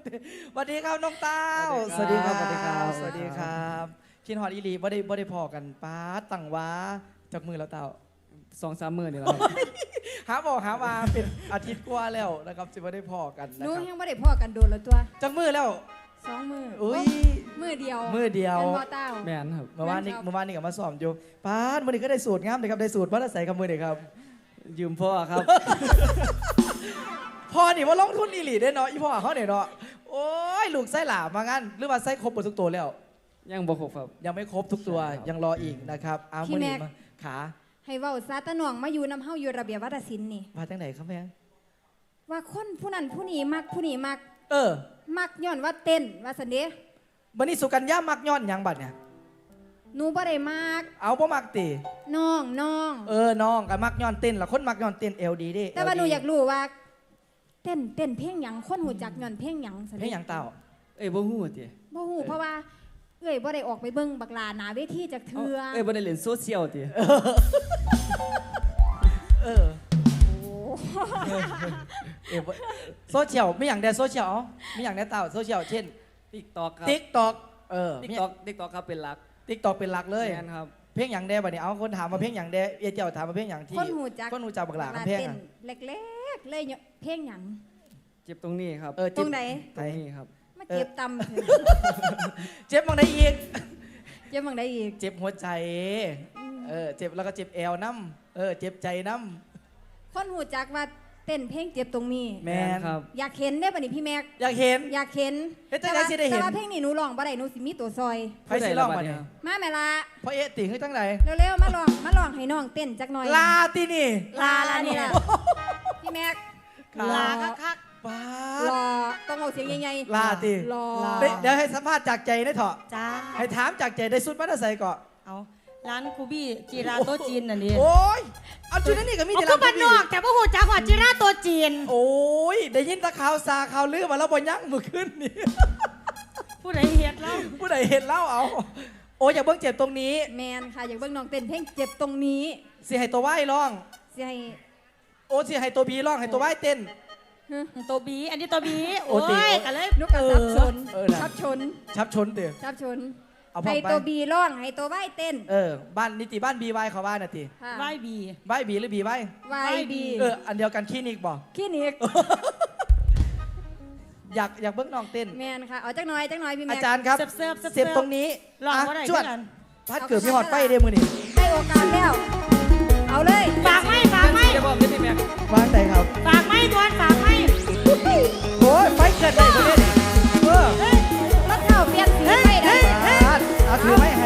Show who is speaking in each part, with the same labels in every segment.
Speaker 1: สวัสดีครับน้องเต้า
Speaker 2: สวัสดีครับสวัสดีครับ
Speaker 1: สวัสดีครับคินฮอดอีลีบ่ได้พอกันป้าตั้งว้าจากมือแล้วเต้า
Speaker 2: 2-3 มื้อนี่แหละ
Speaker 1: หาบอกหามาเป็นอาทิตย์กว่าแล้วนะครับสิบ่ได้พอกันนะ
Speaker 3: หนู
Speaker 1: ครับ
Speaker 3: ยังไม่ได้พ่อกันโดนแล้วตัว
Speaker 1: จากมือแล้ว
Speaker 3: 2 มือ
Speaker 1: อุ้ย
Speaker 3: มือเดียว
Speaker 1: มือเดียว
Speaker 3: เป็นพ่อเต้า
Speaker 2: แม่นครับ
Speaker 1: เมื่อวานนี้ก็มาสอบอยู่ป้าดมื้อนี้ก็ได้สูตรงามเลยครับได้สูตรมาแล้วใส่กับมือนี่ครับ
Speaker 2: ยืมพ่อครับ
Speaker 1: พ่อนี่ว่าลงทุนอีหลีได้เนาะอีพ่อเขาเนี่ยเนาะโอ้ยลูกไส้หลามางั้นหรือว่าไส้ครบหมดทุกตัวแล้ว
Speaker 2: ยังบ่ครบครับ
Speaker 1: ยังไม่ครบทุกตัว
Speaker 2: ใช่ครับ
Speaker 1: ยังรออีกนะครับเอามือนี้มาขา
Speaker 3: ให้เว้าซาตะหน่องมาอยู่น้ำเฮาอยู่ระเบียบวัฒนศิลป์นี่
Speaker 1: มาจากไหนครับแม่
Speaker 3: ว่าคนผู้นั้นผู้นี้มักผู้นี้มัก
Speaker 1: เออ
Speaker 3: มักย้อนว่าเต้นว่าสันเดะ
Speaker 1: บันนี้สุกัญญามักย้อนหยังบัดเนี่ย
Speaker 3: หนูบ่ได้มัก
Speaker 1: เอาบ่มักติ
Speaker 3: น้อง
Speaker 1: น้องก็มักย้อนเต้นละคนมักย้อนเต้นเอลดีดิ
Speaker 3: แต่ว่าหนูอยากรู้ว่า เต้นเพลงหยังคนหูจักย้อนเพลงหยังสัน
Speaker 1: เพล
Speaker 3: เดะ
Speaker 1: งหยังเต่า
Speaker 2: เอ้ยบ่ฮู้ติ
Speaker 3: บ่ฮู้เพราะว่าเอ้ยบ่ได้ออกไปเบิ่งบักลาหนาเวทีจากเทือ
Speaker 2: เอ้ยบ่ได้เล่นโซเชียลติ
Speaker 1: เออบ่โซเชียลไม่อย่างใดโซเชียลไม่อย่างใดเต่าโซเชียลเช่น
Speaker 2: TikTok ครับ
Speaker 1: TikTok
Speaker 2: TikTok ครับเป็นหลัก
Speaker 1: TikTok เป็นหลักเลย
Speaker 2: แม่นครับ
Speaker 1: เพลงหยังแดบัดนี้เอาคนถามมาเพลงหยังแดเอเจ้าถามมาเพลงหยังที่
Speaker 3: คนหูจัก
Speaker 1: คนหูจักบักหลาเพลง
Speaker 3: เต้น
Speaker 1: อะ
Speaker 3: เล็กๆเลยเนี่ยเพลงหยัง
Speaker 2: เจ็บตรงนี้ครับ
Speaker 1: เออ
Speaker 3: ตรงไหน
Speaker 2: ตรงนี้ครับ
Speaker 3: มาเจ็บตำเถอะ
Speaker 1: เจ็บมองได้อีก
Speaker 3: เจ็บมังได้อีก
Speaker 1: เจ็บหัวใจเจ็บแล้วก็เจ็บแอวน้ำเจ็บใจน้
Speaker 3: คนหูจักว่าเต้นเพลงเจ็บตรงนี้
Speaker 1: ำแม่น
Speaker 2: ครับ
Speaker 3: อยากเห็นได้ป่ะนี่พี่แม็ก
Speaker 1: อยากเห็น
Speaker 3: อยากเห็น
Speaker 1: เฮ็ดจังได๋สิได้เห็น
Speaker 3: แต่ว่าเพลงนี้หนูร้องบ่ได้หนูสิมีตัวซอย
Speaker 1: ไฟสิร้องมาเนี่ย
Speaker 3: มาแม่ละ
Speaker 1: เพราะเอะติงให้ตั้งไหน
Speaker 3: เร็วๆมาลองให้น้องเต้นจักหน่อย
Speaker 1: ลาตินี่
Speaker 3: ลานี่แหละพี่แม็ก
Speaker 1: ลา
Speaker 3: คัก
Speaker 1: ป้า
Speaker 3: ๆรอต้องเอาเสียงใหญ่ๆ
Speaker 1: ลาติ
Speaker 3: รอ
Speaker 1: เดี๋ยวให้สัมภาษณ์จากใจได้เถอะ
Speaker 4: จ้า
Speaker 1: ให้ถามจากใจได้สุดมาได้ใส่ก่อน
Speaker 4: เอาร้านคูบี้จีราโตะจีนน่ะนี่
Speaker 1: โอ้ยเอาจุดนั้นนี่ก็มี
Speaker 4: เอา
Speaker 1: แต่
Speaker 4: ก็
Speaker 1: ลำ
Speaker 4: บ้านนอกแต่ว่าหูจักว่าจีราโตะจีน
Speaker 1: โอ้ยได้ยินแตะข่าวซาข่าวลือมาแล้วบ่ยั้งมือขึ้นนี่
Speaker 4: ผู้ใดเฮ็ดแล้ว
Speaker 1: ผู้ใดเห็นเล่าเอาโอ้ยอย่าเบิ่งเจ็บตรงนี้
Speaker 3: แมนค่ะอยากเบิ่งน้องเต้นเพลงเจ็บตรงนี้
Speaker 1: สิให้ตัวไหว้ร้อง
Speaker 3: สิให้
Speaker 1: โอ้สิให้ตัวบีร้องให้ตัวไหว้เต้น
Speaker 4: ตัวบีอันนี้ตัวบี
Speaker 1: โอ้
Speaker 4: โอ้
Speaker 1: ติ
Speaker 4: ยกันเลย
Speaker 3: นุกกระทับชน
Speaker 1: น่ะ
Speaker 3: ทับชน
Speaker 1: ชับชนเด้อ
Speaker 3: ทับชน
Speaker 1: เอาพร้อม
Speaker 3: ให้
Speaker 1: ไป
Speaker 3: ตัวบีร้องให้ตัวไหวเต้น
Speaker 1: บ้านนิติบ้านบีไว้เขาว่าน่ะติ
Speaker 3: ค่ะ
Speaker 4: ไหวบี
Speaker 1: ไว้บีหรือบีไว้
Speaker 3: ไหวบี
Speaker 1: อันเดียวกันคลินิกบ่
Speaker 3: คลินิก
Speaker 1: อยากเบิ่งน้องเต้น
Speaker 3: แมนค่ะเอาจักหน่อยพี่แม็
Speaker 1: อาก จารย์ครับ
Speaker 4: เสิร์ฟ
Speaker 1: เสียบตรงนี้
Speaker 4: ลอง
Speaker 1: อ่ะ
Speaker 4: บ่ได้
Speaker 1: จวด
Speaker 4: คือกัน
Speaker 1: พัดเกิดพี่หอดไฟเด้มือนี่
Speaker 3: ได้โอกาสแล้ว เอาเลย
Speaker 4: ฝากไหม
Speaker 2: ได้บ่ได้พี่แม็ก
Speaker 1: วางใจครับ
Speaker 4: ฝากไหมดวนฝากไหม
Speaker 1: โอ้ยไฟเกิดได้คนนี้เออ
Speaker 3: รถเข่าเปลี่ยนสีให้ได้
Speaker 1: เอาถือไม่ให้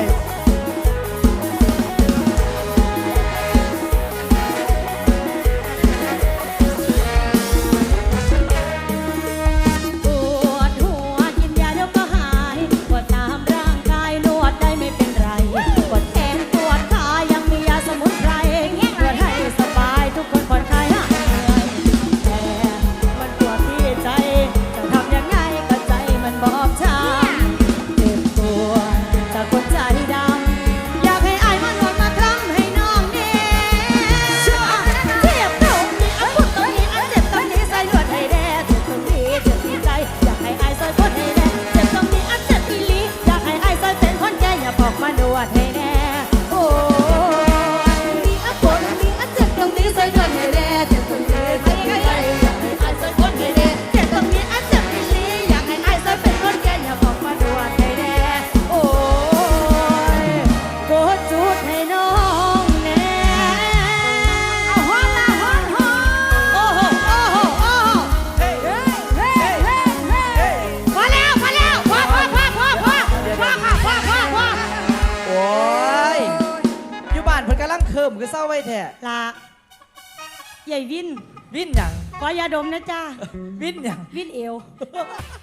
Speaker 4: ปวดหัวกินยาเดี๋ยวก็หายปวดตามร่างกายนวดได้ไม่เป็นไรปวดแขนปวดขายังมียาสมุนไพรนวดให้สบายทุกคนผ่อนคลายหายเหนื่อยแต่มันปวดที่ใจจะทำยังไงก็ใจมันบอบช้ำเจ็บปวดจากคนใจดำอยากให้อายมานวดมาทำให้น้องเนี่ยเจ็บตรงนี้อันปวดตรงนี้อันเจ็บตรงนี้ใส่นวดให้แน่เจ็บตรงนี้เจ็บที่ใจอยากให้อายซอยคนให้แน่เจ็บตรงนี้อันเจ็บอีหลีอยากให้อายซอยเป็นคนแก่อย่าบอกมานวดให้แน่โอ้ยมีอันปวดมีอันเจ็บตรงนี้ใส่นวดให้แน่เจ็บตรงนี้เจ็บที่ใจอยากให้อายซอยคนให้แน่เจ็บตรงนี้อันเจ็บอีหลีอยากให้อายซอยเป็นคนแก่อย่าบอกมานวดให้แน่โอ้ยกดจุดให้น้องแน่เอาฮ้อนละฮ้อนฮ้อนโอ้โหโอ้โหโอ้โห
Speaker 1: เฮ้ยเฮ้ยเฮ้ยเฮ้ย
Speaker 4: พอแล้วพอค่ะพอ
Speaker 1: โอ้ยอยู่บ้านเพิ่นกำลังเคิมคือเศร้าไว้แท้
Speaker 4: ลาใหญ่วิน
Speaker 1: วินหยัง
Speaker 4: ขอยาดมนะจ้า
Speaker 1: วินหยัง
Speaker 4: วินเอว